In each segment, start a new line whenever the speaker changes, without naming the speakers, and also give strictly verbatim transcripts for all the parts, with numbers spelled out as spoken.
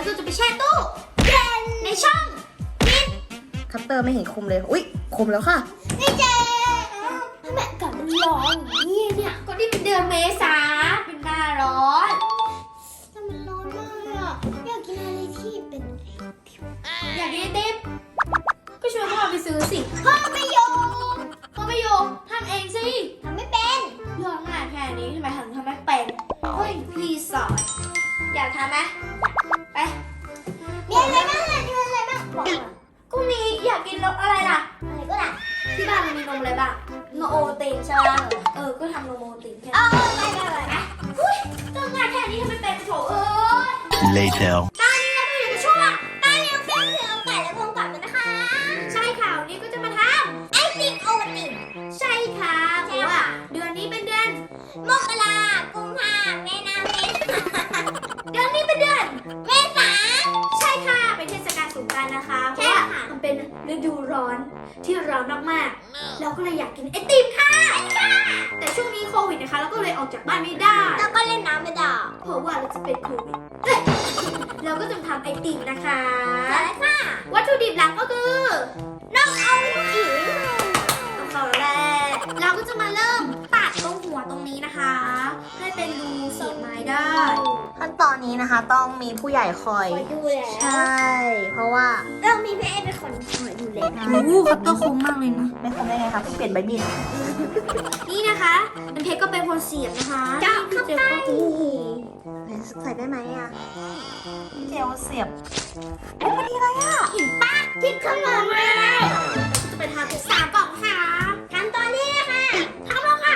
ก็จะไปแช่ตู้เย็นในช่องฟิต
คัตเตอร์ไม่เห็นคมเลยอุ๊ยคมแล้วค่ะ
นี่เจ๊ทำไมอากาศมันร้อนอย่างนี้เนี่ยก็นี่เป็นเดือนเมษาเป็นหน้าร้อนแต่มันร้อนมากเลยอ่ะอยากกินอะไรที่เป็นอยากกินไอติมก็ชวนพ่อไปซื้อสิพ่อไม่ยอมพ่อไม่ยอมทำเองสิทำไม่เป็นเรื่องงานแค่นี้ทำไมถึงทำไม่เป็นเฮ้ยพี่สอนอยากทำไหมไปมีอะไรบ้างล่ะมีอะไรบ้างบอกมาก็มีอยากกินรสอะไรล่ะอะไรก็ได้ที่บ้านมันมีนมอะไรบ้างนมโอตินใช่ไหมเออก็ทำนมโอตินแค่เออไปไปไปนะอุ้ยเรื่องงานแค่นี้ทำไม่เป็นโถเอ้ย
Later
ตอนนี้เราก็อยู่ในช่วงตอนนี้เราเฟี้ยวเสือไก่และพงกลับกันนะคะใช่ค่ะวันนี้ก็จะมาทำไอติมโอวัลตินใช่ค่ะเพราะว่าเดือนนี้เป็นเดือนมกรากุมภาเมษาเมษาเดือนนี้เป็นเดือนเมษาใช่ค่ะเป็นเทศกาลสงกรานต์นะคะเพราะว่ามันเป็นฤดูร้อนที่ร้อนมากๆเราก็เลยอยากกินไอติมค่ะแต่ช่วงนี้โควิดนะคะเราก็เลยออกจากบ้านไม่ได้แล้วก็เล่นน้ำไม่ได้เพราะว่าเราจะเป็นโควิดเราก็จะทำไอติมนะคะใช่ค่ะวัตถุดิบหลักก็คือนมเอาอิ๋วต้องเข้าแล้วแหละเราก็จะมาเริ่มตัดตรงหัวตรงนี้นะคะให้เป็นรูเสียบไม้ได้
ขั้นตอนนี้นะคะต้องมีผู้ใหญ่คอย
คอยดูแล
ใช่ เพราะว่า
เรามีพี่เอเป็นคนคอยดูแล
โอ้โหคัตเตอร์คมมากเลยนะไม่คมได้ไงคะเพิ่งเปลี่ยนใบมีด
นี่นะคะเป็นเพชรก็เป็นคนเสียบนะคะจ้าเข้าไป
ใส่ได้ไหมอ่ะเจลเสียบโอ้พอดีเลยอ่ะ
เห็นปะที่ขนมมาแล้วจะไปทำเป็นสามกล่องค่ะขั้นตอนนี้ค่ะทำแล้วค่ะ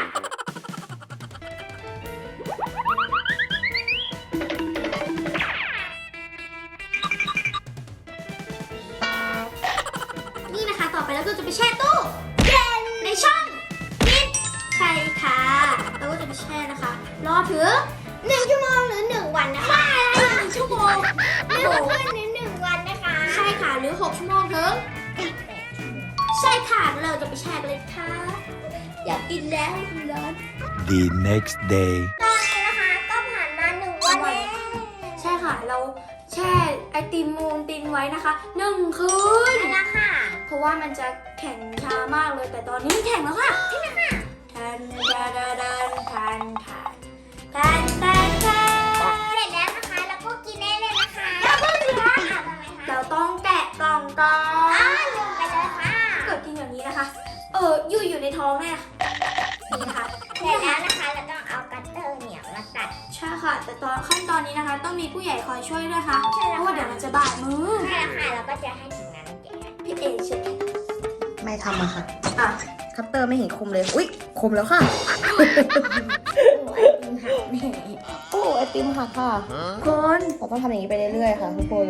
นี่นะคะต่อไปแล้วก็จะไปแช่ตู้เย็นในช่องฟิตใช่ค่ะแล้วก็จะไปแช่นะคะรอถึงหนึ่งชั่วโมงหรือหนึ่งวันนะคะไม่หนึ่งชั่วโมงไม่หกวันหรือหนึ่งวันนะคะใช่ค่ะหรือหกชั่วโมงถึงใช่ค่ะเราจะไปแช่กันเลยค่ะอยากกินแล้วร้อน
The next day
ตอนนี้นะคะก็ผ่านมาหนึ่งวันแล้วใช่ค่ะเราแช่ไอติมมูนตินไว้นะคะหนึ่งคืนแล้วค่ะเพราะว่ามันจะแข็งช้ามากเลยแต่ตอนนี้มันแข็งแล้วค่ะใช่ไหมคะทันทันทันทันทันทันทันทันเสร็จแล้วนะคะแล้วก็กินได้เลยนะคะแล้วก็เหลือเราต้องแกะกล่องก่อนอ้าวลืมไปเลยค่ะเกิดกินอย่างนี้นะคะเอออยู่อยู่ในท้องแม่นี่นะคะเสร็จแล้วนะคะเราต้องเอากัตเตอร์เนี่ยมาตัดใช่ค่ะแต่ตอนขั้นตอนนี้นะคะต้องมีผู้ใหญ่คอยช่วยด้วยค่ะเพราะว่าเดี๋ยวมันจะบาดมือใช่ค่ะเราก็จะให้ถึงนั้นแกพี่เอเช็ด
ไม่ทำอะค่ะ
อ่ะ
คัตเตอร์ไม่เห็นคมเลยอุ๊ยคมแล้วค่ะโอ้ไอติมหักค่ะ
คน
เราต้องทำอย่างนี้ไปเรื่อยๆค่ะทุกคน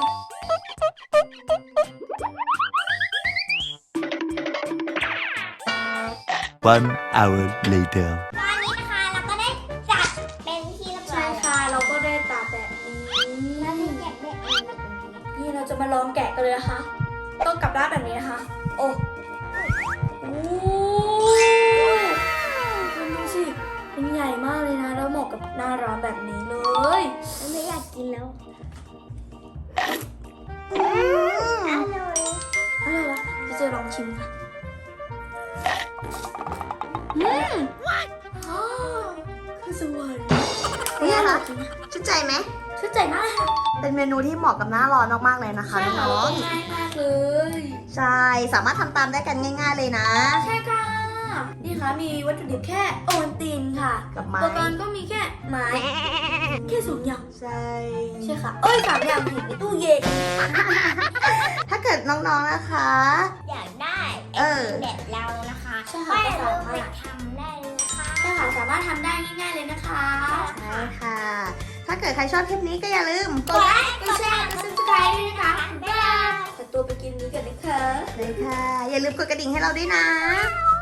One hour later
ตอนนี้นะคะเราก็ได้จัดเป็นที่เรียบร้อยใช่ค่ะเราก็ได้ตัดแบบนี้แล้วที่แกะได้เองนี่เราจะมาลองแกะกันเลยนะคะต้องกลับด้านแบบนี้นะคะโอ้โอ้คุณดูสิเป็นใหญ่มากเลยนะแล้วเหมาะกับหน้าร้อนแบบนี้เลยไม่อยากกินแล้วอร่อยอะไรวะจะจะลองชิมค่ะอืมอ๋อคือสวรรค์
นี่ค่ะชื่นใจไหม
ชื่นใจมากค่ะ
เป็นเมนูที่เหมาะกับหน้าร้อนมากๆเลยนะคะน้อง
ง่ายมากเลย
ๆใช่ สามารถทำตามได้กันง่าย ๆเลยนะ
ใช่ค่ะนี่ค่ะมีวัตถุดิบแค่โอวัลตินค่ะ
กับไม้
อุปกรณ์ก็มีแค่ไม้แค่สองอย่าง
ใช่
ใช่ค่ะเอ้ยสามอย่างอยู่ในตู้เย็น
ถ้าเกิดน้องๆนะคะ
อยากได้
เออ
แบบเรานะคะใช่ค่ะก็สามารถทำได้เลยนะคะใช่ค่ะสามารถทำได้ง่ายๆเลยนะคะ
ใช่ค่ะ ถ้าเกิดใครชอบคลิปนี้ก็อย่าลืม
กดไลค์กดแชร์กดซับสไครต์ด้วยนะคะบ๊ายบายขอตัวไปกินนี้กันนะคะ
เลยค่ะ อย่าลืมกดกระดิ่งให้เราด้วยนะ
บ